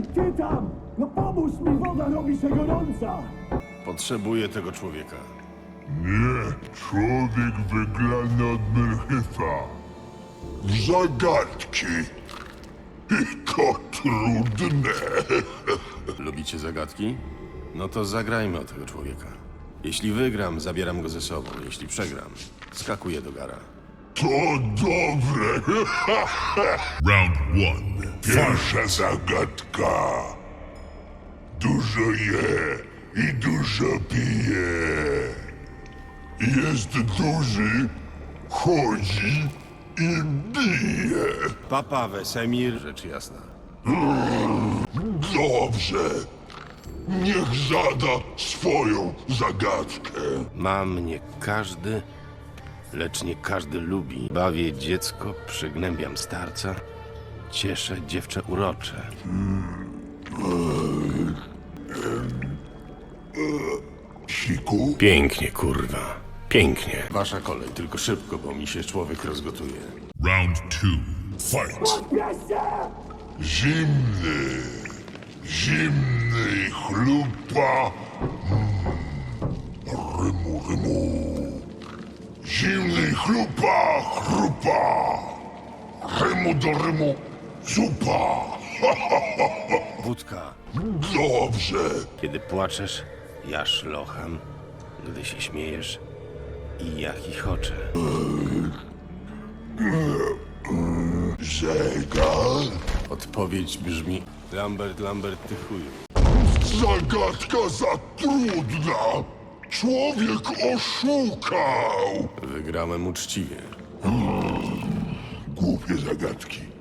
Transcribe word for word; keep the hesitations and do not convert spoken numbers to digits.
Ej, ty tam! No pomóż mi, woda robi się gorąca! Potrzebuję tego człowieka. Nie, człowiek wyglany od Myrchyfa. W zagadki. I to trudne. Lubicie zagadki? No to zagrajmy o tego człowieka. Jeśli wygram, zabieram go ze sobą. Jeśli przegram, skakuję do gara. To dobre. Round one. Pierwsza zagadka. Dużo je i dużo pije. Jest duży, chodzi i bije. Papa Wesemir, rzecz jasna. Dobrze. Niech zada swoją zagadkę. Mam nie każdy, lecz nie każdy lubi. Bawię dziecko, przygnębiam starca, cieszę dziewczę urocze. Siku? Pięknie, kurwa. Pięknie. Wasza kolej, tylko szybko, bo mi się człowiek rozgotuje. Round two. Fight. Bierzcie! Zimny. Zimny i chlupa. Mm. Rymu, rymu. Zimny i chlupa, chrupa. Rymu do rymu, zupa. Wódka. Dobrze. Kiedy płaczesz, ja szlocham. Gdy się śmiejesz, i ja chichoczę. Zegar. Odpowiedź brzmi: Lambert, Lambert, ty chuju. Zagadka za trudna. Człowiek oszukał. Wygrałem uczciwie. Głupie zagadki.